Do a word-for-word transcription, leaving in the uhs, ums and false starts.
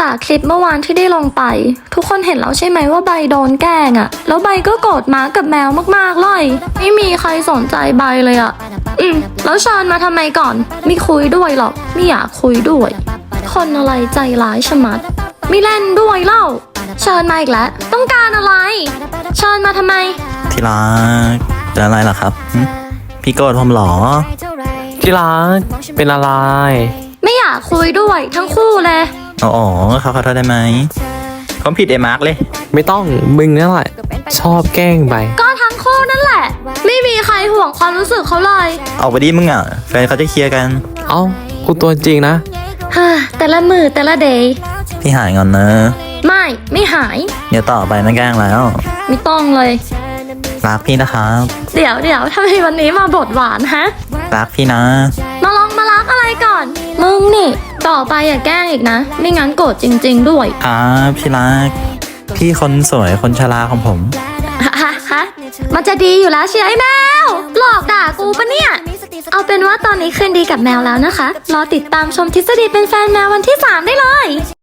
จากคลิปเมื่อวานที่ได้ลงไปทุกคนเห็นแล้วใช่ไหมว่าใบโดนแกล้งอะแล้วใบก็โกรธม้ากับแมวมากๆเลยไม่มีใครสนใจใบเลยอะอืมแล้วเชิญมาทำไมก่อนไม่คุยด้วยหรอกไม่อยากคุยด้วยคนอะไรใจร้ายชะมัดไม่เล่นด้วยเล่าเชิญมาอีกแล้วต้องการอะไรเชิญมาทำไมที่รักเป็นอะไรล่ะครับพี่โกรธผมหรอที่รักเป็นอะไรไม่อยากคุยด้วยทั้งคู่เลยอ๋อเขาขอโทษได้ไหมผมผิดเอมาร์กเลยไม่ต้องมึงนั่นแหละชอบแกล้งไปก็ทั้งคู่นั่นแหละไม่มีใครห่วงความรู้สึกเขาเลยเอาไปดิมึงอ่ะแฟนเขาจะเคลียร์กันเอ้ากูตัวจริงนะฮ่าแต่ละมือแต่ละเดย์พี่หายงอนนะไม่ไม่หายเดี๋ยวต่อไปไม่แกล้งแล้วไม่ต้องเลยรักพี่นะครับเดี๋ยวเดี๋ยวทำไมวันนี้มาบทหวานฮะรักพี่นะมาลองมารักอะไรก่อนมึงนี่ต่อไปอย่าแกล้งอีกนะไม่งั้นโกรธจริงๆด้วยครับพี่รักพี่คนสวยคนชราของผมฮะฮะมันจะดีอยู่แล้วเชียร์ไอ้แมวหลอกด่ากูปะเนี่ยเอาเป็นว่าตอนนี้คืนดีกับแมวแล้วนะคะรอติดตามชมทฤษฎีเป็นแฟนแมววันที่สามได้เลย